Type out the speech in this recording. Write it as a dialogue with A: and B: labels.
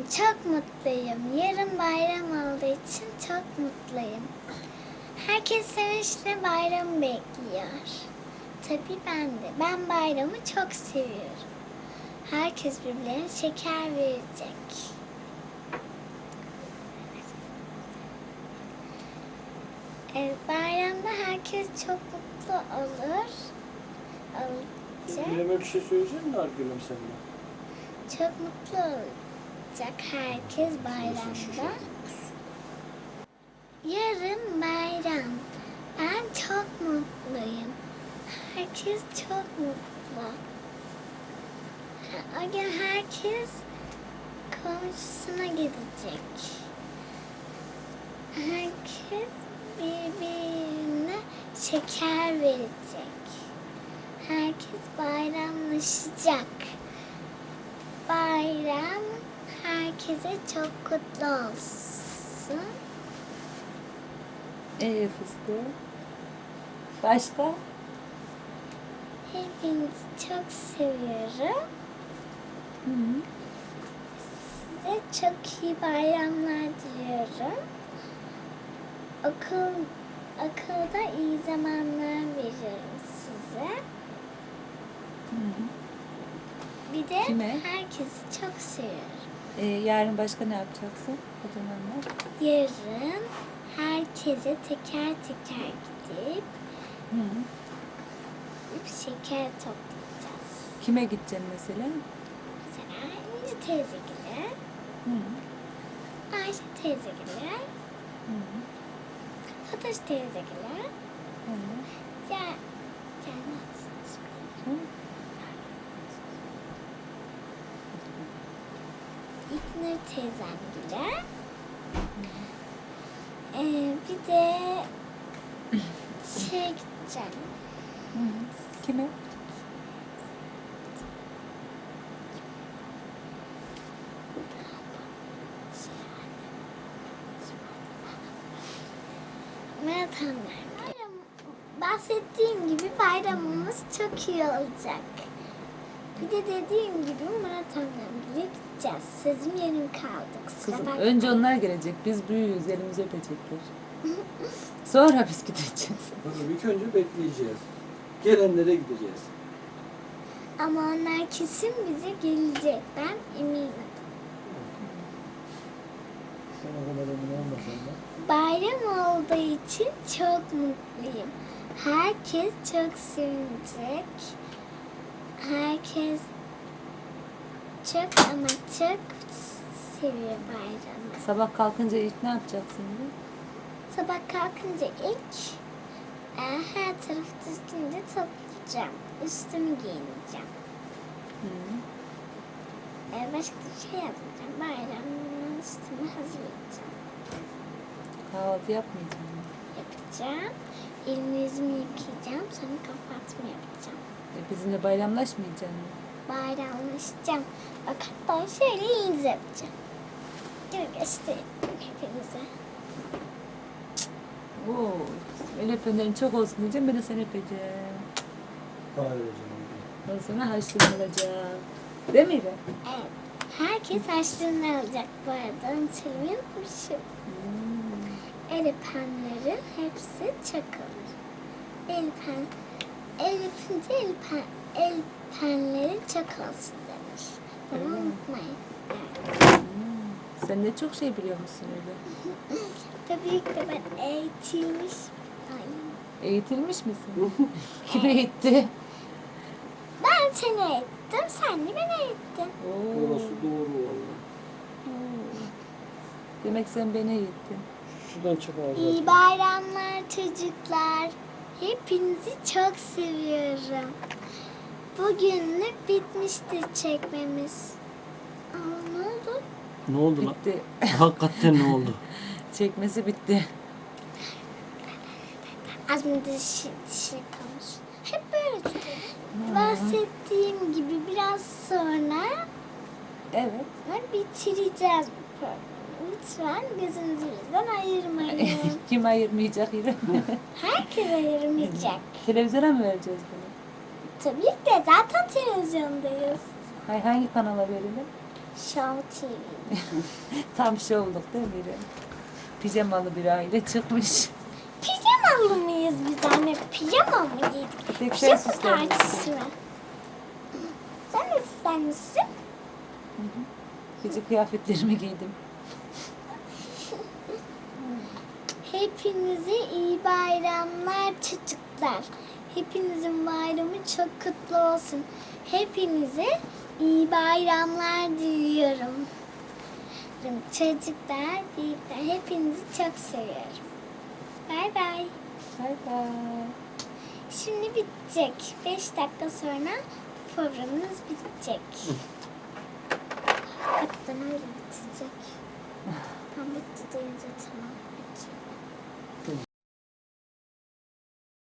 A: çok mutluyum. Yarın bayram olduğu için çok mutluyum. Herkes sevinçle bayramı bekliyor. Tabii ben de. Ben bayramı çok seviyorum. Herkes birbirlerine şeker verecek. Bayramda herkes çok mutlu olur. Olacak.
B: Gülüm'e bir şey söyleyecek misin Gülüm seninle?
A: Çok mutlu olacak herkes bayramda. Yarın bayram. Ben çok mutluyum. Herkes çok mutlu. O gün herkes komşusuna gidecek. Herkes birbirine şeker verecek. Herkes bayramlaşacak. Bayram herkese çok kutlu olsun.
C: Fıstık. Başka?
A: Hepinizi çok seviyorum.
C: Hı.
A: Size çok iyi bayramlar diliyorum. Okulda iyi zamanlar veriyorum size.
C: Hı.
A: Bir de
C: Kime?
A: herkesi çok seviyorum.
C: Yarın başka ne yapacaksın? Kocamanlar.
A: Yarın herkese teker teker gidip
C: Hı.
A: şeker toplayacağız.
C: Kime gideceksin mesela?
A: Mesela İnci teyzegile,
C: Hı.
A: Ayşe teyzegile,
C: Hı.
A: Fatoş teyzegile,
C: Hı.
A: gelmez.
C: Hı.
A: İknur teyzemgile. Bir de gideceğim.
C: Hı. Kime?
A: Maratonlar. Bahsettiğim gibi bayramımız çok iyi olacak. Bir de dediğim gibi maratonlarımıza gideceğiz. Sözüm yarım kaldı. Kusura
C: Kızım
A: bakmayın.
C: önce onlar gelecek. Biz büyüğüz. Elimizi öpecekler. Sonra biz gideceğiz.
B: Tabii ilk önce bekleyeceğiz. Gelenlere gideceğiz.
A: Ama onlar kesin bize gelecek. Ben eminim.
B: Sen o kadar emin olmasan da.
A: Bayram olduğu için çok mutluyum. Herkes çok sevinecek. Herkes çok ama çok seviyor bayramı.
C: Sabah kalkınca ilk ne yapacaksın? Diye?
A: Sabah kalkınca ilk her tarafı düzgünce toplayacağım. Üstümü giyineceğim.
C: Hı.
A: Başka bir şey yapmayacağım. Bayramın üstümü hazırlayacağım.
C: Kahvaltı yapmayacağım.
A: Yapacağım. Elimi yüzümü yıkayacağım. Sonra kapatma yapacağım.
C: Bizimle bayramlaşmayacaksın.
A: Bayramlaşacağım. Bak hatta şöyle elinize yapacağım. Dur göstereyim hepinize.
C: Oo, el öpenlerin çok olsun diyeceğim. Ben de seni öpeceğim.
B: Kahvedeceğim.
C: Ondan sonra harçlanılacak. Değil mi İrem?
A: Evet. Herkes harçlığını alacak bu arada. Unutmayın. Şu el öpenlerin hepsi çakılır. El öpünce el penleri çok olsun denir. Bunu unutmayın. Evet.
C: Sen ne çok şey biliyor musun öyle?
A: Tabii ki de ben eğitilmiş. Ay.
C: Eğitilmiş misin? Kim eğitti?
A: Ben seni eğittim, sen de beni eğittin.
C: Oo.
B: Orası doğru valla.
C: Demek sen beni eğittin.
B: Şuradan çık ağzına.
A: İyi bayramlar çocuklar. Hepinizi çok seviyorum. Bugünlük bitmiştir çekmemiz. Aa, ne oldu?
B: Ne oldu lan?
C: Bitti.
B: Hakikaten ne oldu?
C: Çekmesi bitti.
A: Az mı dişi kalmış. Hep böyle tutuyorum. Bahsettiğim gibi biraz sonra
C: Evet.
A: bitireceğiz bu programı. Lütfen gözünüzü bizden ayırmayın.
C: Kim ayırmayacak İrem?
A: Herkes ayırmayacak.
C: Televizyona mı vereceğiz bunu?
A: Tabii ki de zaten televizyondayız.
C: Hangi kanala verelim?
A: Show TV.
C: Tam şey olduk değil mi İrem? Pijamalı bir aile çıkmış.
A: Pijamalı mıyız biz anne? Pijama mı giydik?
C: Tek sen
A: Pijama
C: süslenmişsin.
A: partisi mi? Sen de süslenmişsin.
C: Gece kıyafetlerimi giydim.
A: Hepinize iyi bayramlar çocuklar. Hepinizin bayramı çok kutlu olsun. Hepinize iyi bayramlar diliyorum. Çocuklar, büyükler hepinizi çok seviyorum. Bay bay.
C: Bay bay.
A: Şimdi bitecek. 5 dakika sonra programımız bitecek. Hakikaten öyle bitecek. Tam bitti deyince tamam.